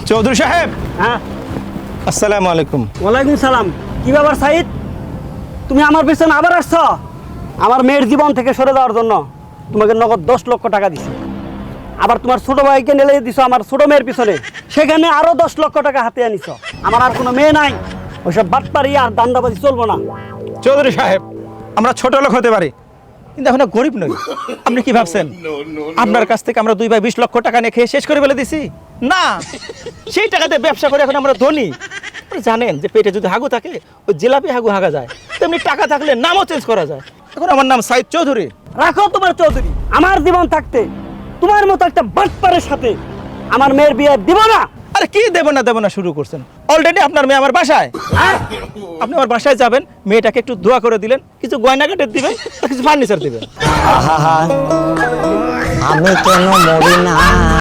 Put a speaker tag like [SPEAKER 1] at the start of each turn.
[SPEAKER 1] চৌধুরী সাহেব।
[SPEAKER 2] হ্যাঁ,
[SPEAKER 1] আসসালামু আলাইকুম।
[SPEAKER 2] ওয়ালাইকুম সালাম। কি ব্যাপার সাইদ, তুমি আমার পিছনে আবার আসছ? আমার মেয়ের জীবন থেকে সরে যাওয়ার জন্য তোমাকে নগদ 10 লক্ষ টাকা দিছি। আবার তোমার ছোট ভাইকে নেলে দিছো আমার ছোট মেয়ের পিছনে, সেখানে আরো 10 লক্ষ টাকা হাতে আনিছ। আমার আর কোনো মেয়ে নাই, ওইসব বাটপারি আর দান্দাবাজি চলবো না।
[SPEAKER 1] চৌধুরী সাহেব, আমরা ছোট লোক হতে পারি, কিন্তু এখন গরিব নই। আপনি কি ভাবছেন আপনার কাছ থেকে আমরা 2 ভাই 20 লক্ষ টাকা নিয়ে খেয়ে শেষ করে ফেলে দিছি? না, সেই টাকাতে ব্যবসা করে এখন আমরা ধনী। আপনি জানেন যে পেটে যদি হাগু থাকে ওই জিলাপি হাগু হাগা যায়, তেমনি টাকা থাকলে নামও চেঞ্জ করা যায়। এখন আমার নাম সাইদ চৌধুরী।
[SPEAKER 2] রাখো তোমার চৌধুরী। আমার জীবন থাকতে তোমার মতো একটা বাটপারের সাথে আমার মেয়ের বিয়ে দিব না।
[SPEAKER 1] আরে কি দেব না শুরু করছেন? অলরেডি আপনার মেয়ে আমার বাসায়।
[SPEAKER 2] হ্যাঁ?
[SPEAKER 1] আপনি আমার বাসায় যাবেন, মেয়েটাকে একটু দোয়া করে দিলেন, কিছু গয়নাগাটের দিবেন আর কিছু ফার্নিচার দিবেন।
[SPEAKER 3] আমি কেন মরি না